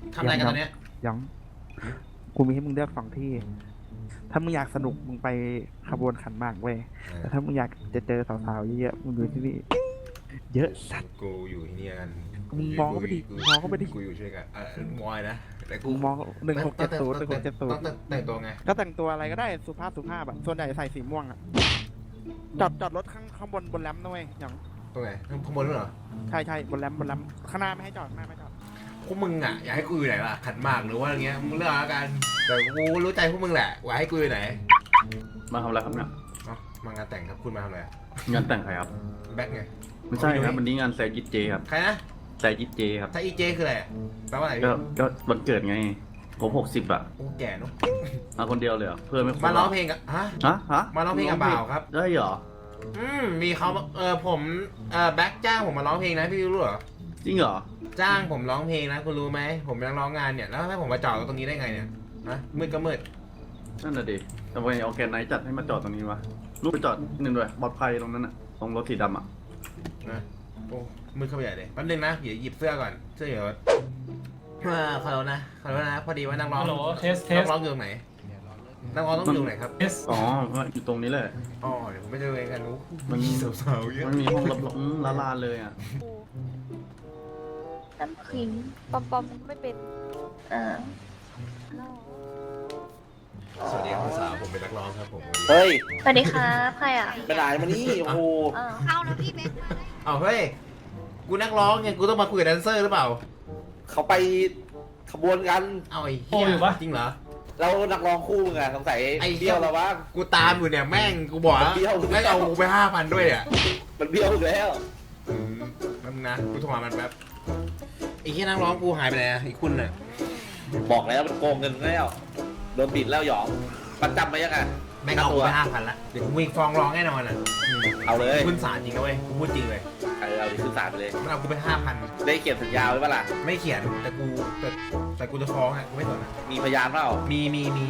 ทำอะไรกันตอนเนี้ยยังกูมีให้มึงเลือก2 ที่ ถ้ามึงอยากสนุกมึงไปขบวนขันหมากเว้ยแต่ถ้ามึงอยากจะเจอสาวๆเยอะๆมึงดูที่นี่เยอะสัตว์กูอยู่ที่นี่กันมึงมองเข้าไปดิมองเข้าไปดิกูอยู่ช่วยกันมอยนะแต่กูมึงมอง1670 ต้อง 1670 แต่งตัวไงก็แต่งตัวอะไรก็ได้สุภาพอะส่วนใหญ่ใส่สีม่วงอะจอดรถข้างบนแรมนะเว้ยอย่างตรงไหนข้างบนด้วยเหรอใช่บนแรมข้างหน้าไม่ให้จอดข้างหน้าไม่จอดพวกมึงอ่ะอยากให้กูอยู่ไหนล่ะขันหมากหรือว่าอะไรเงี้ยมึงเลือกแล้วกันแต่กูรู้ใจพวกมึงแหละว่าให้กูอยู่ไหนมาทำอะไรครับเนี่ยมางานแต่งครับคุณมาทำอะไรงานแต่งใครครับแบ็คไงไม่ใช่ครับวันนี้งานแซยิตเจครับใครนะแซยิตเจครับถ้าอีเจคืออะไรแปลว่าอะไรก็วันเกิดไงผม60อ่ะกูแก่เนาะมาคนเดียวเลยเหรอเพื่อนไม่ครบมาร้องเพลงกับฮะฮะมาร้องเพลงกับบ่าวครับได้เหรอมีเขาผมแบ็คจ้างผมมาร้องเพลงนะพี่รู้เหรอจริงเหรอจ้างผมร้องเพลงนะคุณรู้ไหมผมยังร้องงานเนี่ยแล้วให้ผมมาจอดตรงนี้ได้ไงเนี่ยฮะมืดก็มืดนั่นน่ะดิทำไมเอาแกนไนท์จัดให้มาจอดตรงนี้วะลูกไปจอดนิดนึงด้วยปลอดภัยตรงนั้นอ่ะตรงรถสีดำอ่ะนะโอ้มืดเข้าไปใหญ่เลยแป๊บนึงนะเดี๋ยวหยิบเสื้อก่อนเสื้ออยู่รถขอโทษนะพอดีว่านักร้องฮัลโหลเทสนักร้องอยู่ตรงไหนนักร้องต้องอยู่ตรงไหนครับเทสอ๋ออยู่ตรงนี้เลยอ๋อเดี๋ยวผมไปเจอเองกันนู้มันสาวๆเยอะมันมีห้องรับรองละลานเลยอ่ะน้ำขิงปอมปอมไม่เป็นอ่าสวัสดีครับสาวผมเป็นนักร้องครับผมเฮ้ยสวัสดีครับใครอ่ะไปไหนมานี่ โอ้โหเข้าแล้วพี่เบสเอาเฮ้ยกูนักร้องไงกูต้องมาคุยกับแดนเซอร์หรือเปล่าเขาไปขบวนกันเอาไอ้เหี้ยจริงเหรอแล้วนักร้องคู่มึงอะสงสัยไอ้เบี้ยวเราบ้างกูตามอยู่เนี่ยแม่งกูบอกแล้วเบี้ยวแม่งเอากูไป5,000ด้วยอ่ะมันเบี้ยวอีกแล้วแป๊บนึงนะกูโทรหามันแป๊บไอ้ที่นักร้องกูหายไปไหนอ่ะอีกคุณน่ะบอกแล้วมันโกงเงินแล้ว โดนบิดแล้วหยองมันจำไหมยังไงแม่งเอากูไป5,000ละเดี๋ยวกูวิ่งฟ้องร้องแน่นอนอ่ะเอาเลยขึ้นศาลจริงนะเว้ยกูพูดจริงเลยเอาดิขึ้นศาลไปเลยมันเอากูไป5,000 ได้เขียนสัญญาไว้ปะล่ะไม่เขียนแต่กูจะฟ้องอ่ะกูไม่สนอ่ะมีพยานเปล่ามี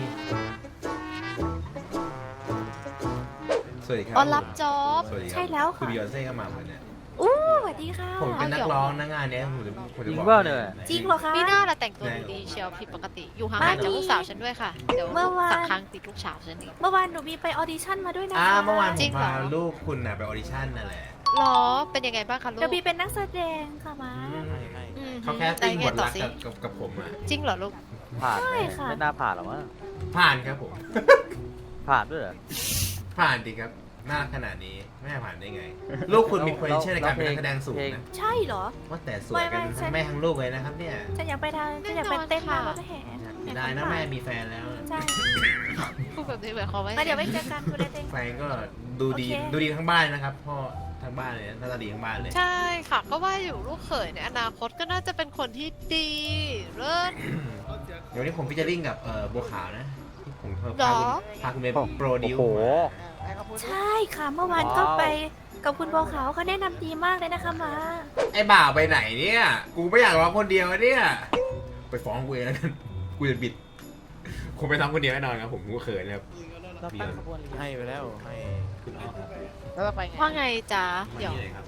สวัสดีครับออนรับจ็อบสวัสดีครับใช่แล้วคือค่ะบิยอนเซ่เข้ามาเหมือนเนี่ยอู้สวัสดีค่ะผมเป็นนักร้องนะงานเนี้ยผมจะบอกจริงเหรอคะพี่หน้าเราแต่งตัวดูดีเชียวผิดปกติ อยู่ห่างๆจากลูกสาวฉันด้วยค่ะ เดี๋ยวเมื่อวานสักครั้งติดลูกสาวฉันอีกเมื่อวานหนูมีไปออดิชั่นมาด้วยนะคะเมื่อวานผจริมงเหรอพาลูกคุณน่ะไปออดิชั่นนั่นแหละหรอ เป็นยังไงบ้างคะลูกเดี๋ยวบีเป็นนักแสดงค่ะมาอืมเขาแค่ติ้งบทต่อรักสิกับผมอ่ะจริงเหรอลูกผ่านไหมใช่ค่ะไม่น่าผ่านหรอกมั้งผ่านครับผมผ่านด้วยเหรอผ่านดีครับน่าขนาดนี้ไม่ผ่านได้ไง ลูกคุณมี potential ในการเป็นนักแสดงสูงนะใช่เหรอว่าแต่สวยกันทั้งแม่ทั้งลูกเลยนะครับเนี่ยฉันอยากไปเต้นมากรถแห่ได้นะแม่มีแฟนแล้วใช่พูดแบบนี้หมายความว่าแล้วเดี๋ยวไปเจอกันคุณเต้นแฟนก็ดูดีโอเคดูดีทั้งบ้านนะครับพ่อทั้งบ้านเลยหน้าตาดีทั้งบ้านเลยใช่ค่ะ ก็ว่าอยู่ลูกเขยในอนาคตก็น่าจะเป็นคนที่ดีเลิศเดี๋ยวนี้ผมพิจาริ่งกับบัวขาวนะที่ผมหรอพาคุณไปโปรดิวโอ้โหใช่ค่ะเมื่อวานก็ไปกับคุณบัวขาวเขาแนะนำดีมากเลยนะคะมาไอ้บ่าวไปไหนเนี่ยกูไม่อยากร้องคนเดียวเนี่ยไปฟ้องกูเองแล้วกันกูจะบิดคงไปทำคนเดียวแน่นอนครับผมกูเขินครับเราตั้งขบวนให้ไปแล้วให้ขึ้นเอาแล้วจะไปไงว่าไงจ๊ะเดี๋ยวนี่เลยครับ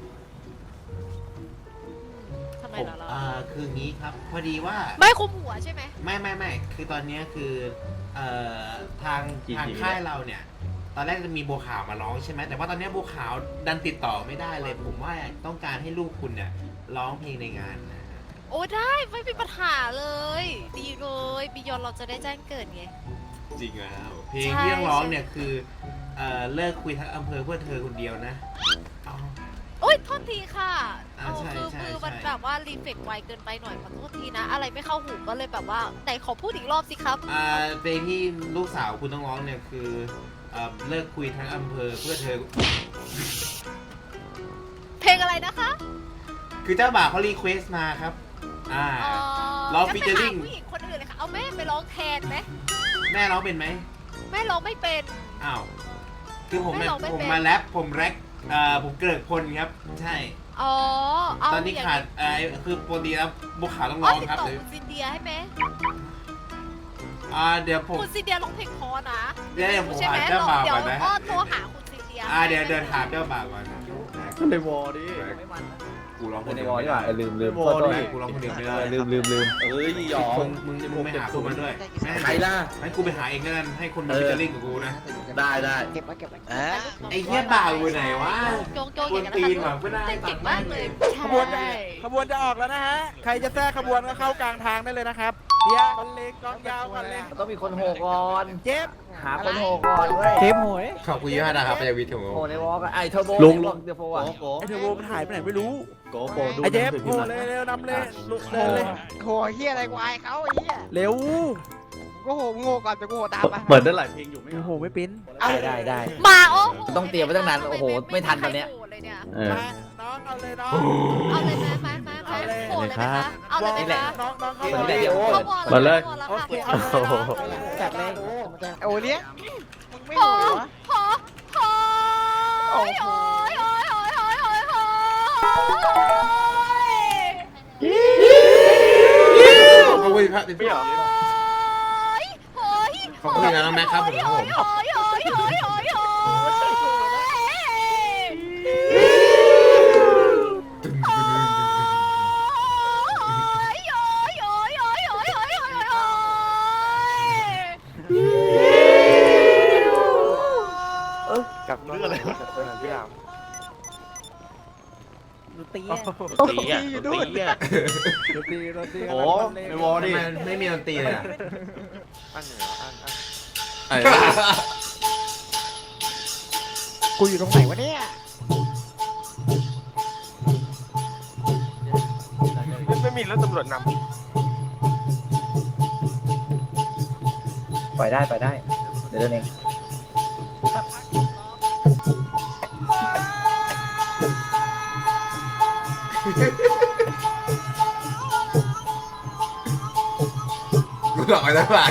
ทำไมผมเหรอเราคืองี้ครับพอดีว่าไม่คุมหัวใช่ไหมไม่คือตอนเนี้ยคือทางค่ายเราเนี่ย ตอนแรกจะมีบัวขาวมาร้องใช่ไหมแต่ว่าตอนเนี้ยบัวขาวดันติดต่อไม่ได้เลย ผมว่าต้องการให้ลูกคุณเนี่ยร้องเพลงในงานนะฮะโอ้ได้ไม่มีปัญหาเลย ดีเลยบิยอนเราจะได้แจ้งเกิดไงจริงแล้วเพลงใช่ที่ต้องร้องใช่เนี่ยคือเลิกคุยทั้งอำเภอเพื่อเธอคนเดียวนะเอาโอ๊ยโทษทีค่ะอ่าใช่คือใช่มือมันใช่แบบว่ารีเฟกไวเกินไปหน่อยขอโทษทีนะ อะไรไม่เข้าหูก็เลยแบบว่าไหนขอพูดอีกรอบสิครับเพลงที่ลูกสาวคุณต้องร้องเนี่ยคือเลิกคุยทั้งอำเภอเพื่อเธอเพลงอะไรนะคะคือเจ้าบ่าวเขารีเควสมาครับร้องงั้นไป featuring หาผู้หญิงคนอื่นเลยค่ะ เอาแม่ไปร้องแทนไหมแม่ร้องเป็นไหมแม่ร้องไม่เป็นอ้าวคือผมไม่ร้องไม่ผมเป็นมาแรปผมแร็กผมเกริกพลครับใช่อ๋อเอาตอนนี้ย่งขาดคือปกติแล้วบุกขาวต้องอ๋ร้อองติดครับต่อเดี๋ยวคุณซินเดียให้ไหมเดี๋ยวผมคุณซินเดียร้องเพลงเพอนะเดี๋ยวผมใช่ไหมหาเจ้าบ่าวเดี๋ยวก่อนนะอ้อโทรหาคุณซินเดียเดี๋ยวเดินถามเจ้าบ่าวก่อนนะก็เลยวอดิไม่มันนะกูร้องคเป็นนในเดียววอลไม่ดีกได้ว่าลืมโมโทษดิกูร้องคนเดียวไม่ได้ลืมเอ้ยหยองมึงไม่หาคนมาด้วยใครล่ะให้กูไปหาเองแล้วกันให้คนมาฟิชเชอร์ลิงกับกูนะได้ได้เก็บไว้เก็บไว้ไอ้เหี้ยบ่าวอยู่ไหนวะโจงกวนอย่างตีนั้นนนะว่ะไม่ได้เก่งมากเลยขบวนจะออกแล้วนะฮะ ใครจะแทรกขบวนก็เข้ากลางทางได้เลยนะครับเฮียกอนเล็กกองยาวกอนเล็กต้องมีคนโหก่อนเจ็บหาคนโหก่อนเว้ยเจ็บโหยขอบคุณยี่ห้านะครับพยาวิทย์ของโหในวอลก็ไอเทอร์โบลุงเดี๋ยวโฟอ่ะไอเทอร์โบมันหายไปไหนไม่รู้โกโปดูไอเจ็บหนังสืโหพิมพ์เลยเร็วนำเลยลุกเลยโหเฮียอะไรกูอายเขาไอ้เฮียเร็วก็โหโง่ก่อนจะกูโหตามไปเปิดได้หลายเพลงอยู่ไหมโอ้โหไม่ปิ้นได้มาโอ้โหต้องเตรียมไว้ตั้งนานโอ้โหไม่ทันตอนเนี้ยเลยเนี่ยเออมาน้องเอาเลยน้องเอาเลยไหมมาเอาเลยโหดเลยไหมคะเอาเลยไหมนี่แหละคะน้องเข้าเปิดมาได้เดี๋ยวเข้าวอมาเลยแล้วโอค่ะเคเอาเลยน้องเอาเลยจัดเลยโอ้เลี้ยงมึงไม่โหโหดเหรอโหโหโอ้ยโอ้ยโอ้ยโอ้ยโอ้ยโอ้ยโอ้ยขอบคุณพระติดพี่หรอโอ้ยขอบคุณนะน้องแม็กครับผมครับผมโอ้ยโอ้ยโอ้ยโอ้ยโอ้ยกับเรื่องอะไรพี่ดาวดูตีอ่ะตีอ่ะตีอ่ะดูตีดูตีโอ้ในวอลทำดิไมไม่มีดนตรีเลยอ่ะกูอยู่ตรงไหนวะเนี่ยไม่มีรถตำรวจนปล่อยได้เดี๋ยวเดินเองกูหลอกไปแล้วไป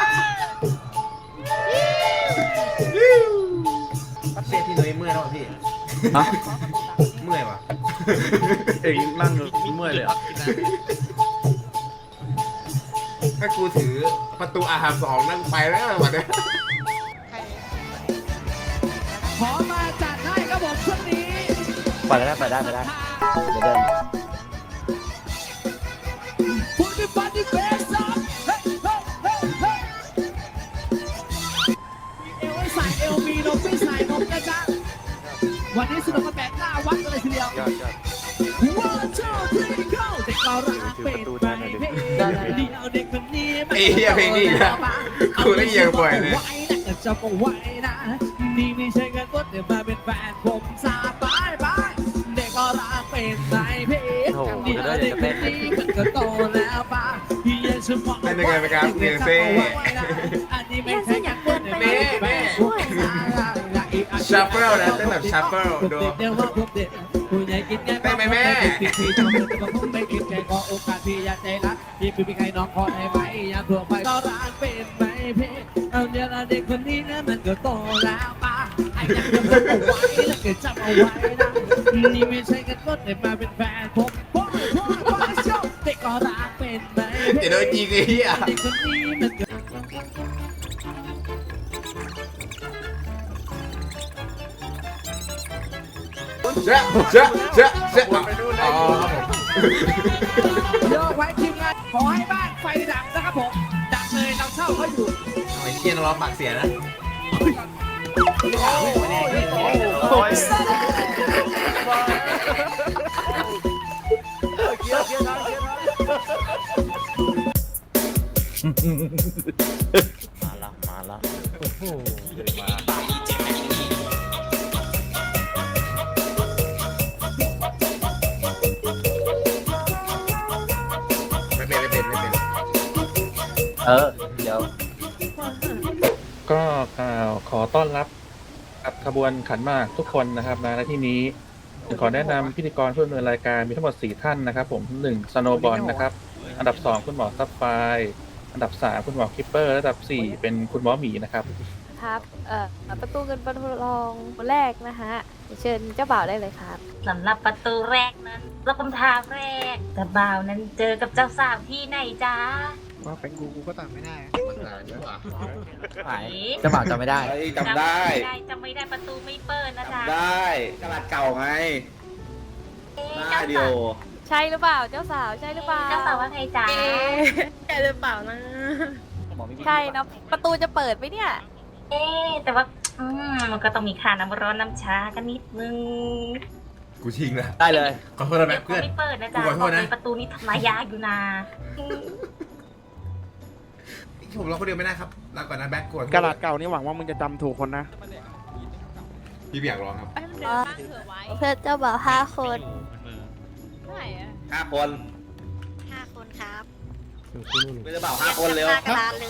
เสียที่นุ้ยเมื่อยแล้วพี่ฮะเมื่อยว่ะเองนั่งอยู่เมื่อยเลยอ่ะถ้ากูถือประตูอาหาร2นั่งไปแล้ววันนี้ขอมาจัดให้ครับผมช่วงนี้ปล่อยได้เดี๋ยวเดินพูดดิฟันดิเฟสซับเฮ้ยเฮ้ยเฮ้ยเฮ้ยเอวให้ใส่เอวมีนมไม่ใส่นมนะจ๊ะวันนี้สนุกกันแบบหน้าวัดกันเลยทีเดียว One two three go เด็กเรารักเป็นไปเพลงเดียวเด็กคนนี้ไอ้เหี้ยเพลงนี้นะกูได้ยินบ่อยเลยไว้นะจะบอกไว้นะนี่ไม่ใช่แค่คนเดี๋ยวมาเป็นแฟนผมสาบายบายเด็กก็รักเป็นไปเพลงเดียวเด็กคนนี้มันก็โตแล้วป่ะที่ยังจะบอกเป็นยังไงไหมครับเนียเซ่อันนี้ไม่ใช่แค่คนเดี๋ยวมาเป็นแฟนผมสาบายชัฟเฟิลนะเต้นแบบชัฟเฟิลดูเดี๋ยวว่าผมเด็กผู้ใหญ่กินไงได้ไหมแม่พี่จะมาแต่ผมไม่กินแค่ขอโอกาสพี่อยากใจรักพี่พี่ใครน้องขอได้ไหมอยากทั่วไปก็รักเป็นไหมพี่เอาเดี๋ยวเด็กคนนี้นะมันก็โตแล้วป่ะไอ้ยังจะจำเอาไว้แล้วก็จำเอาไว้นะนี่ไม่ใช่กันก็แต่มาเป็นแฟนผมพ่อชอบเด็กก็รักเป็นไหมเดี๋ยวโดนยิงไอ้เหี้ยเด็กคนนี้มันก็เจ๊อ๋อครับผมเดี๋ยวไว้ทีมงานขอให้บ้านไฟดับนะครับผมดับเลยเราเช่าเขาอยู่ไอ้เหี้ยน้องร้องปากเสียนะ ไม่เป็นเดี๋ยวก็ขอต้อนรับกับขบวนขันหมากทุกคนนะครับณที่นี้ขอแนะนำพิธีกรผู้ดำเนินรายการมีทั้งหมด4ท่านนะครับผม1สโนบอลนะครับอันดับ2คุณหมอซับไฟอันดับ3คุณหมอคิปเปอร์และอันดับ4เป็นคุณหมอหมีนะครับครับประตูเงินประตูทองคนแรกนะฮะเชิญเจ้าบ่าวได้เลยครับสำหรับประตูแรกนั้นรับคำถามแรกเจ้าบ่าวนั้นเจอกับเจ้าสาวที่ไหนจ๊ะว่าเป็นกูก็ตามไม่ได้หายเจ้าบ่าวจำไม่ได้เฮ้ยจำได้จำไม่ได้ประตูไม่เปิดนะจ๊ะได้กระดาษเก่าไงเอ๊ะได้เดียวใช่หรือเปล่าเจ้าสาวใช่หรือเปล่าเจ้าสาวว่าไงจ๊ะใช่หรือเปล่านะใช่นะประตูจะเปิดไหมเนี่ยแต่ว่ามันก็ต้องมีค่าน้ำร้อนน้ำชากันนิดนึงกูชิงนะได้เลยขอโทษนะแบ็คเขาเพื่อนไม่เปิดนะจ๊ะกูขอโทษนะบอกเลยประตูนี้ทำลายยากอยู่นะผมรอคนเดียวไม่ได้ครับลาก่อนนะแบ็คกดกระดาษเก่านี่หวังว่ามึงจะจำถูกคนนะพี่อยากลองครับเพื่อนเจ้าบ่าว5 คน 5 คน 5 คนครับไม่ได้เปล่า5 คนเร็วหน้ากระดานเลย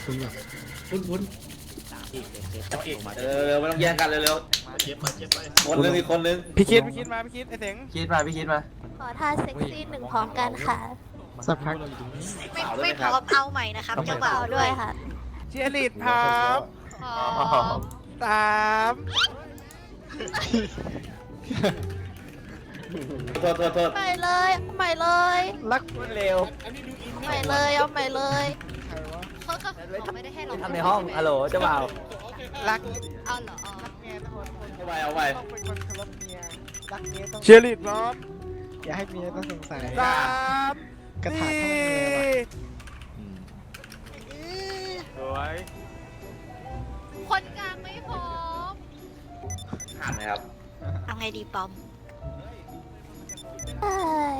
เร็วไม่ต้องแย่งกันเร็วๆคนนึงอีกคนนึงพี่คิดมาพี่คิดไอ้เสงคิดมาพี่คิดมาขอท่าเซ็กซี่หนึ่งพร้อมกันค่ะสักพักไม่พร้อมเอาใหม่นะครับเจ้าบ่าวเอาด้ด้ววย ยค่ะเชียร์ลีดพร้อมพร้อม 3 โทษใหม่เลยใหม่เลยรักคนเร็วใหม่เลยเอาใหม่เลยเขาไม่ได้ให้เราทำในห้องฮัลโหลเจ้าบ่าวรักเอาเหรอเอาไปเชียร์ลีดพร้อมอย่าให้เมียต้องสงสัย 3 กระถางทำไมเมียวะสวยคนกลางไม่พร้อมผ่านไหมครับเอาไงดีปอมเอ้ย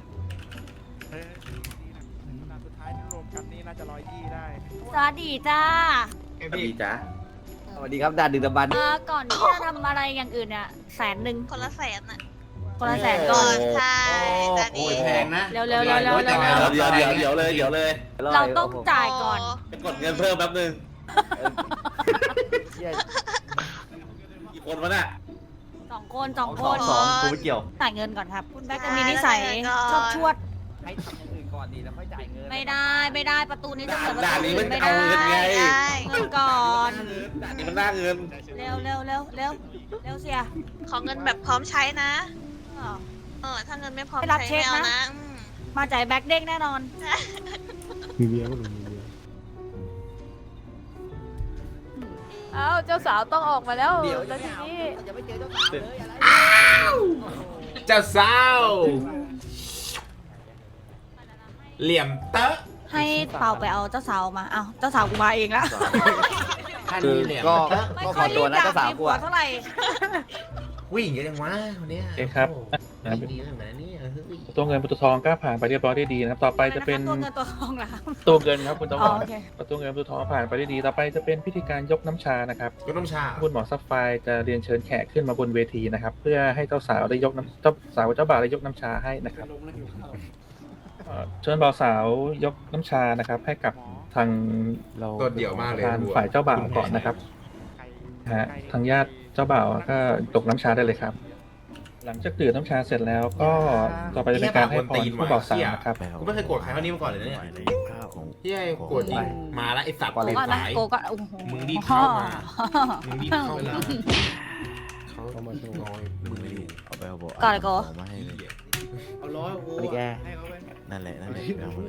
สุดท้ายที่รวมกันนี่น่าจะ120ได้สวัสดีจ้าดีจ้ะสวัสดีครับดาดึกดำบรรพ์ก่อนที่จะทำอะไรอย่างอื่นเนี่ย100,000 คนละแสนน่ะคนละ100,000ก่อนใช่แต่โอ้นี่ยแพงนะเร็วๆๆๆๆโอ้ยแต่งงานแล้วเดี๋ยวเลยเราต้องจ่ายก่อนกดเงินเพิ่มแป๊บนึงเชี่ยกี่คนวะน่ะ 2 คน2 คนสองกูไม่เกี่ยวจ่ายเงินก่อนครับ คุณแบ๊กจะมีนิสัยชอบชวดให้ทำอย่างอื่นก่อนดีแล้วค่อยจ่ายเงินไม่ได้ประตูนี้จะเปิดประด่านตูนี้อื่มันนไม่เอาได้เงินไงเงินก่อนด่านนี้มันน่าเงินเร็วเสียขอเงินแบบพร้อมใช้นะ ถ้าเงินไม่พร้อมไม่รับใช้เช็คไม่เอานะนะมาจ่ายแบ็กเด้งแน่นอนมีเมียก็หนูมีเมียเอ้าเจ้าสาวต้องออกมาแล้วเดี๋ยวแล้วทีนี้จะไม่เจอเจ้าสาวเลยอะไรเจ้าสาวเหลี่ยมเตอะให้เป่าไปเอาเจ้าสาวมาเอาเจ้าสาวกูมาเองละท่านคือนี้เหลี่ยมก็เตอะไม่ก็ค่อยขอตัวนะรีบเจ้าสาวมีกูผัวอะเท่าไหร่วิ่งเยอะจังวะคนเนี้ยโอเคครับไม่ดีนะเนี่ยเฮ้ยตัวเงินประตูทองก็ผ่านไปเรียบร้อยได้ดีนะครับ ต่อไปจะเป็นตัวเงินตัวทองเหรอครับตัวเงินครับคุณตำรอ๋อวจโอเคประตูเงินประตูทองผ่านไปได้ดี ต่อไปจะเป็นพิธีการยกน้ำชานะครับก็ต้องชาคุณหมอซัฟไฟร์จะเรียนเชิญแขกขึ้นมาบนเวทีนะครับ เพื่อให้เจ้าสาวได้ยกน้ำเจ้าสาวเจ้าบ่าวได้ยกน้ำชาให้นะครับเชิญบ่าวสาวยกน้ำชานะครับ ให้กับทางตัวเดี่ยวมากเลยทางฝ่ายเจ้าบ่าวก่อนนะครับนะฮะทางญาติเจ้าบ่าวก็ยกน้ำชาได้เลยครับ หลังจากดื่มน้ำชาเสร็จแล้วก็ต่อไปจะเป็นการให้พรผู้บ่าวสาวนะครับกูไม่เคยโกรธใครเท่านี้มาก่อนเลยนะเนี่ยที่ไอ้โกรธจริงมาแล้วไอ้สัตว์ก่อนไอ้นะสายโกก็โอ้โหมึงรีบเข้ามา มึงรีบเข้ามาเขามาช่วยมึงรีบก่อนเลยโกเอาล้อกูสวัสดีแกนั่นแหละเอามาเลย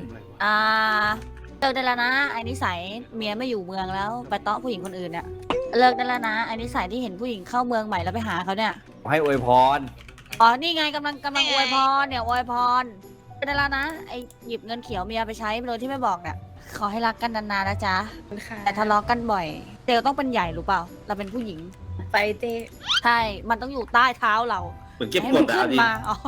เลิกได้แล้วนะไอ้นิสัยเมียไม่อยู่เมืองแล้วไปเตาะผู้หญิงคนอื่นเนี่ยเลิกได้แล้วนะไอ้นิสัยที่เห็นผู้หญิงเข้าเมืองใหม่แล้วไปหาเขาเนี่ยให้อวยพรอ๋อนี่ไงกำลังอวยพรเนี่ยอวยพรได้แล้วนะไอ้หยิบเงินเขียวเมียไปใช้โดยที่ไม่บอกเนี่ยขอให้รักกันนานๆนะจ๊ะแต่ทะเลาะกันบ่อยเตลต้องเป็นใหญ่รู้เปล่าเราเป็นผู้หญิงไปเตใช่มันต้องอยู่ใต้เท้าเราเหมือนเก็บให้กมัดนอะขึ้นดิมาอ๋อ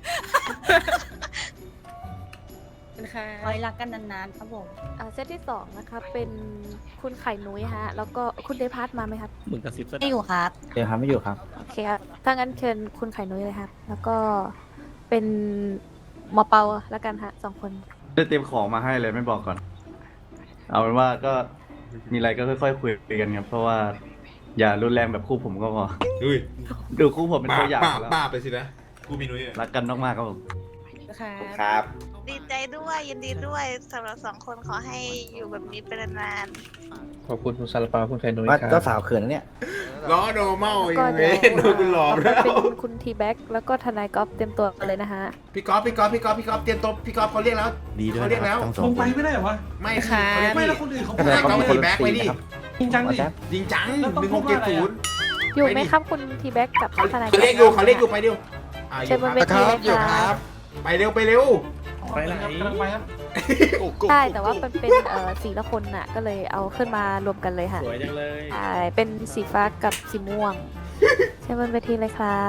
ขอให้รักกันนานๆครับผมเซตที่2นะคะเป็นคุณไข่นุ้ยฮะ แล้วก็คุณเดพัทมาไหมครับมึงกระซิบซะไม่อยู่ครับเดี๋ยวครับไม่อยู่ครับโอเคครับถ้างั้นเชิญคุณไข่นุ้ยเลยครับ แล้วก็เป็นหมอเปาแล้วกันฮะ2 คนได้เตรียมของมาให้เลยไม่บอกก่อน เอาเป็นว่าก็มีอะไรก็ค่อยๆคุยกันครับ เพราะว่าอย่ารุนแรงแบบคู่ผมก็พออุ้ยดูคู่ผมเป็นตัวอย่างแล้วป้าไปสินะกูมีนุ้ยรักกันมากๆครับผมครับดีใจด้วยยินดีด้วยสำหรับ2 คนขอให้อยู่แบบนี้เป็นนานขอบคุณคุณซาลาเปาคุณไข่นุ้ยว่าครับเจ้าสาวเขินนะเนี่ยล้อโนเมาแล้วอีก็กเดี๋เว้ยยว โดนกูหลอกแล้วเป็นคุณทีแบ็กแล้วก็ทนายก๊อฟเตรียมตัวเลยนะฮะพี่ก๊อฟเตรียมตัวพี่ก๊อฟเขาเรียกแล้วดีด้วยเขาเรียกแล้วทั้งสองคนไม่ค่ะไม่แล้วคนอื่นเขาให้ก๊อฟทีแบ็กไปดิจริงจังดิจริงจัง1670 อยู่ไหมครับคุณทีแบ็กกับเขาทนายเรียกอยู่ไปดิวเชิญบนเวทีเลยครับไปเร็วไปเร็วไปไหนใช่แต่ว่ามันเป็นสีละคนน่ะ ก็เลยเอาขึ้นมารวมกันเลยค่ะสวยจังเลยใช่เป็นสีฟ้ากับสีม่วงเชิญบนเวทีเลยครับ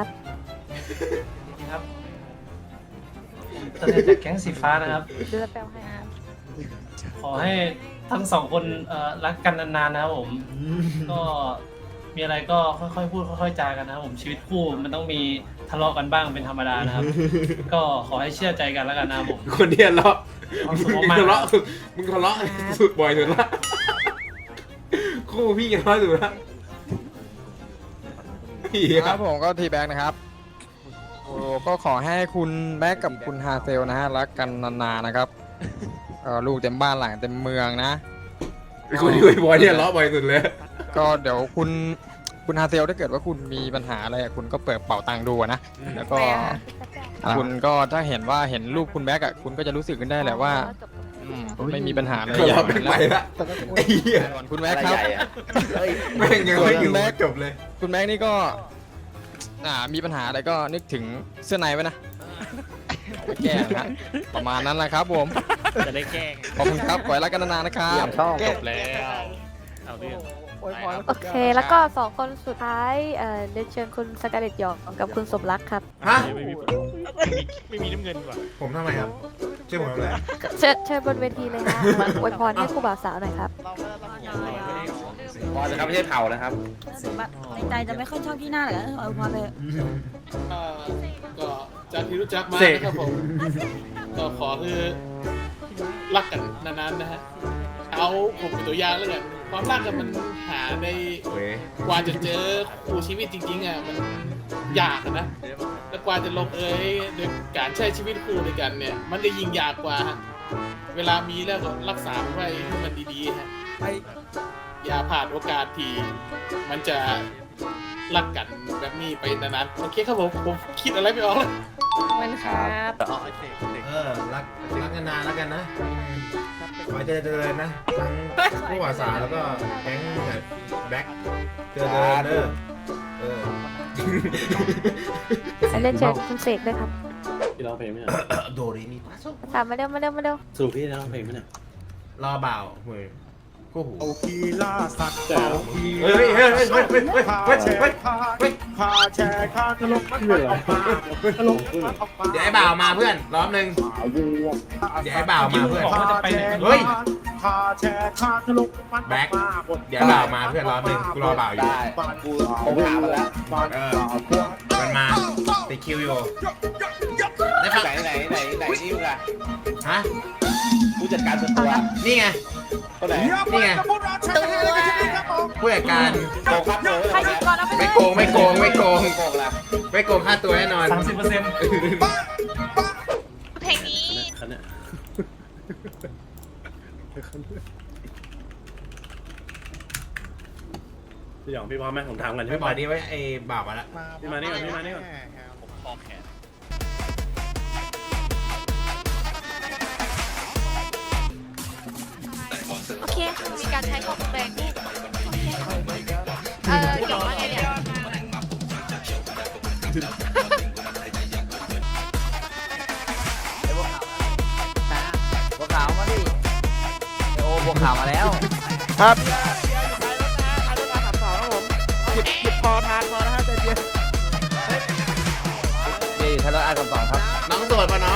ตัวแทนจากแก๊งสีฟ้านะครับเดือดแปลวให้ครับขอให้ทั้งสองคนรักกันนานๆนะครับผม ก็มีอะไรก็ค่อยๆพูดค่อยๆจากันนะครับผมชีวิตคู่มันต้องมีทะเลาะกันบ้างเป็นธรรมดานะครับ ก็ขอให้เชื่อใจกันแล้วกันนะครับผมคนเดียวเลาะความสุขมึงมากทะๆเลาะมึงทะเลาะสุดบ่อยสุดละคู่พี่กันทะเลาะสุดละเหี้ยครับผมก็ทีแบ็กนะครับโอ้ก็ขอให้คุณแบ็กกับคุณฮาเซลนะฮะรักกันนานๆนะครับลูกเต็มบ้านหลังเต็มเมืองนะคนที่บ่อยเนี่ยทะเลาะบ่อยสุดเลยก็เดี๋ยวคุณฮาเซลถ้าเกิดว่าคุณมีปัญหาอะไรคุณก็เปิดเป๋าตังค์ดูนะแล้วก็คุณก็ถ้าเห็นรูปคุณแบ็กอ่ะคุณก็จะรู้สึกขึ้นได้แหละว่าไม่มีปัญหาอะไรทะเลาะไม่ไปละไอ้เหี้ยคุณแบ็กครับแม่งยังไม่อยู่จบเลยคุณแบ็กนี่ก็มีปัญหาอะไรก็นึกถึงเสื้อในไว้นะเอาไปแก้นะประมาณนั้นแหละครับผมจะได้แกล้งขอบคุณครับขอให้รักกันนานๆนะครับจบแล้วเอาเรื่องโอเค แล้วก็2คนสุดท้ายเรียนเชิญคุณสกาเลตหยองกับคุณสมรักครับฮะไม่มีน้ำเงินว่ะผมทำไมครับชื่อผมทำอะไรเชิญบนเวทีเลยนะมาอวยพรให้คู่บ่าวสาวหน่อยครับพอจะครับไม่ใช่เผานะครับในใจจะไม่ค่อยชอบที่หน้าเลยอวยพรเลยก็จากที่รู้จักมานะครับผม ก็ขอคือรักกันนานๆนะฮะ เอาผมเป็นตัวอย่างแล้วกันความรักกันมันหาในเว้ยกว่าจะเจอคู่ชีวิตจริงๆอ่ะมันยากอะนะ แล้วกว่าจะลงเอยโดยการใช้ชีวิตคู่ด้วยกันเนี่ย มันจะยิ่งยากกว่าฮะเวลามีแล้วก็รักษามันไว้ให้มันดีๆฮะอย่าผ่านโอกาสที่มันจะรักกันแบบนี้ไปนานๆโอเคครับผมคิดอะไรไม่ออกเลยมันครับรักกันนานแล้วกันนะขอให้เจริญนะทั้งผู้ว่าสาวแล้วก็แก๊งแบบแบ็คเจริญเด้อเรียนเชิญคุณเสกด้วยครับพี่ร้องเพลงไหมเนี่ยโดรีมีปาโซถามมาเร็วสรุปพี่ร้องเพลงไหมเนี่ยรอบ่าวเฮ้ยคู่หูกีฬาสัตว์เฮ้ยเดี๋ยวไอ้บ่าวมาเพื่อนรอบนึงเดี๋ยวไอ้บ่าวมาเพื่อนเฮ้ยแบ็คเดี๋ยวบ่าวมาเพื่อนรอบนึงกูรอบ่าวอยู่ได้กูผมถามมาแล้วมันมาติดคิวอยู่ได้ฟังไหนนี่มึงอะฮะผู้จัดการส่วนตัวนี่ไงคนไหนนี่ไงผู้จัดการโกงครับโกงใครหยุดก่อนเอาไปเลยไม่โกงโกงละไม่โกงค่าตัวแน่นอน 30% เพลงนี้พี่หยองพี่พร้อมไหมผมถามกันไม่บอกดีไว้ไอ้บ่าวมาละพี่มานี่ก่อนพี่มานี่ก่อนโอเค มีการใช้ของแรงหยองว่าไงเนี่ยบัวขาวมาดิโอ้บัวขาวมาแล้วครับนี่ทะเลาะกันสองครับน้องโสดป่ะน้อง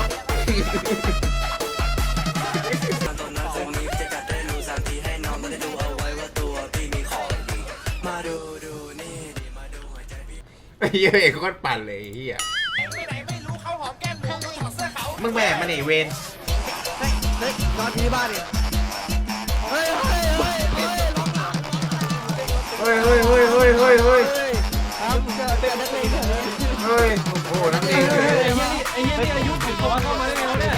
ไอ้เหี้ยเอกโคตรปั่นเลยไอ้เหี้ยมึงแบกมันไอ้เวนนอนที่บ้านดิเฮ้ยโอ้โหนักเรียนเลยไอ้เหี้ยนี่อายุถึงตัวเข้ามาได้ไงวะเนี่ย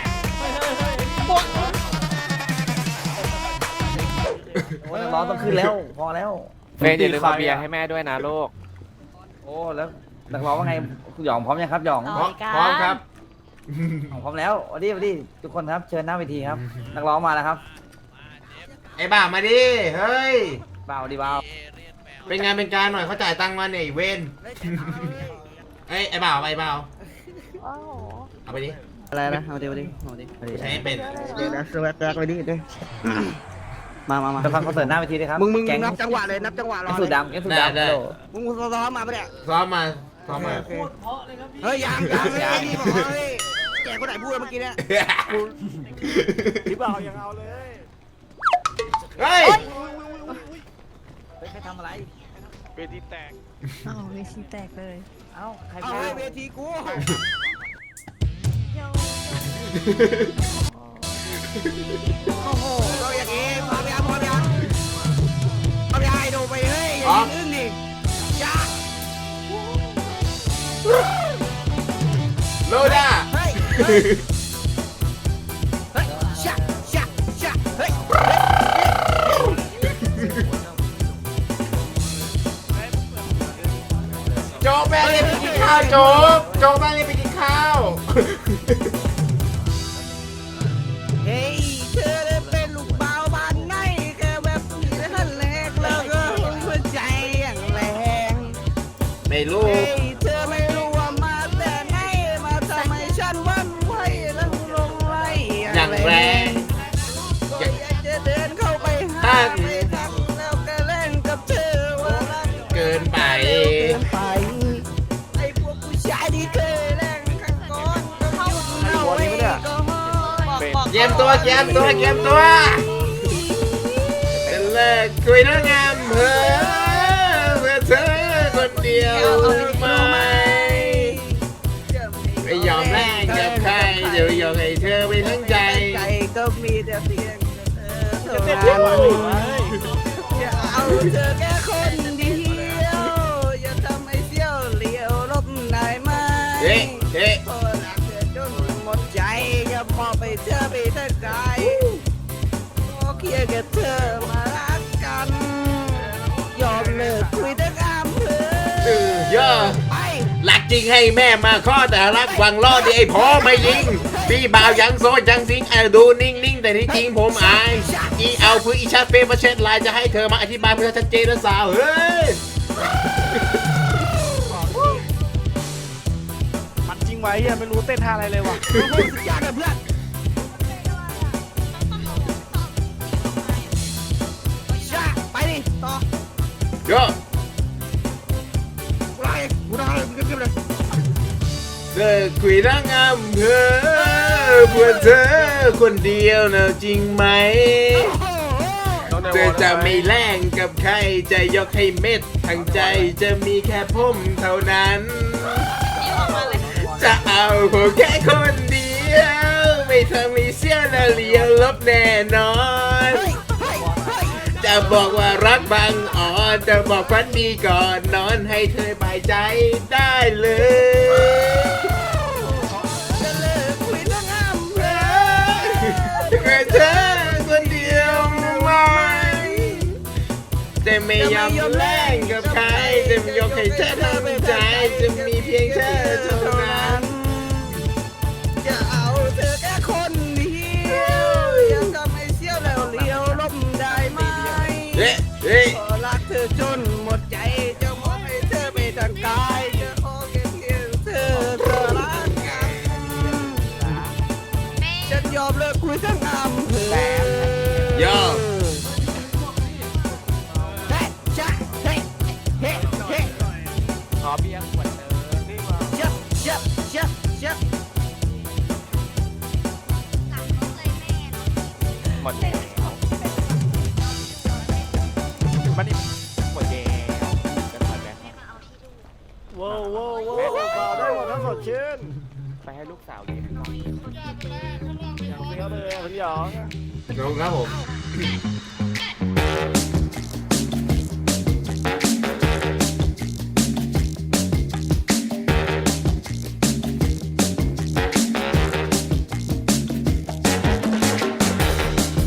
โอ้ยร้อนต้องขึ้นแล้วพอแล้วเมย์อย่าลืมเอาเบียร์ให้แม่ด้วยนะลูกโอ้แล้วนักร้องว่าไงหยองพร้อมยังครับหยองพร้อมครับพร้อมแล้ววันนี้ทุกคนครับเชิญหน้าเวทีครับ นักร้องมาแล้วครับไอ้บ่าวมาดิ เฮ้ยบ่าวดีบ่าวเป็นงานเป็นการหน่อยเขาจ่ายตังค์มาเนี่ยไอ้เวนเอ้ยไอ้บ่าวไอ้บ่าวโอ้โหเอาไปดิอะไรนะเอาดิเอาดิเอาดิกูใช้ไม่เป็นเดี๋ยวนะแรกไปดิเด้มาจะฟังคอนเสิร์ตหน้าเวทีด้วยครับมึงแก๊งนับจังหวะเลยนับจังหวะรอแก๊งสูดดำแก๊งสูดดำโลมึงซ้อมมาปะเนี่ยซ้อมมาซ้อมมาเฮ้ยยังนี่บอกเฮ้ยแกคนไหนพูดเมื่อกี้เนี่ยพี่บ่าวยังเอาเลยเฮ้ยเฮ้ยใครทำอะไรเวทีแตกอ้าวเวทีแตกเลยเอ้าใครเอาพูดเวทีกูโอ้โหเราอย่างงี้พร้อมยังไอ้ดูไปเฮ้ยอย่ายิงอึ้งดิจ้าโลด้าเฮ้ยชะเฮ้ยโจ๊กแม่เรียกไปกินข้าวโจ๊กแม่เรียกไปกินข้าวเฮ้ยเธอได้เป็นลูกบ่าวบ้านไหนแค่แบบนี้นั่นแหละแล้วก็หัวใจอย่างแรงไม่รู้เฮ้ยเธอไม่รู้ว่ามาแต่ไหนมาทำให้ฉันหวันไหวแล้วลงไหลอย่างแรงก็อยากจะเดินเข้าไปหาไปทักแล้วก็เล่นกับเธอว่ารักเกินไปเกินไปไอ้พวกผู้ชายที่เคยแรงข้างก่อนก็หยุดเอาไว้ก็พอเกมตัวเป็นเลิกคุยเรื่องงามเพื่อเธอคนเดียวไหมไม่ยอมแลกกับใครเดี๋ยวยอมให้เธอไปทั้งใจใจก็มีแต่เพียงเธอเท่านั้นอย่าเอาเธอแค่คนเดียวอย่าทำให้เสี้ยวเหลียวลบได้ไหมเฮ้เฮ้เพราะรักเธอจนหมดใจอย่ามอบไปเธอไปทั้งกายขอเคียงกับเธอมารักกันยอมเลิกคุยทั้งอำเภอย่อไปรักจริงให้แม่มาข้อแต่รักหวังล่อที่ไอ้พ่อไม่ยิงพี่บ่าวยังโซยังซิงดูนิ่งๆแต่ที่จริงผมอายอีเอาพื้นอีชาเฟ่มาเช็ดลายจะให้เธอมาอธิบายเพื่อชัดเจนนะสาวเฮ้ยมันจริงไว้ยังไม่รู้เต้นท่าอะไรเลยว่ะสุดยอดเลยเพื่อนชาไปดิต่อย่อกูได้มึงขึ้นเลยเลิกคุยเรื่องงามเพื่อเธอคนเดียวนะจริงไหมเธอจะไม่แล่งกับใครจะยกให้เม็ดทั้งใจจะมีแค่ผมเท่านั้น จะเอาผมแค่คนเดียวไม่ทำให้เสี้ยวและเลี้ยวลบแน่นอน จะบอกว่ารักบางอ่อนจะบอกฝันดีก่อนนอนให้เธอบายใจได้เลยจะเลิกคุยเรื่องอำเภอแค่เธอคนเดียวไหมจะไม่ยอมแลกกับใครจะไม่ยกให้เธอทำใจจะมีเพียงเธอเท่านั้นจะเอาเธอแค่คนเดียวยังทำให้เสี้ยวแล้วเลี้ยวลมได้ไหมเฮ้เฮ้พอรักเธอจนหมดใจจะมอบให้เธอไปทางกายจะขอแค่เพียงเธอรักกันฉันยอมเลิกคุยทั้งอำเภอยอมเฮ้จ้าเฮ้เฮ้เฮ้ขอเบียร์ขวดเดิมนี่มาเจ็บหมดแล้วมันนี่หมดแล้วจะถอยแบงค์ว้าวเบาได้หมดทั้งสดชื่นไปให้ลูกสาวเลี้ยงหน่อยเสียวเลยคุณหยองลงครับผม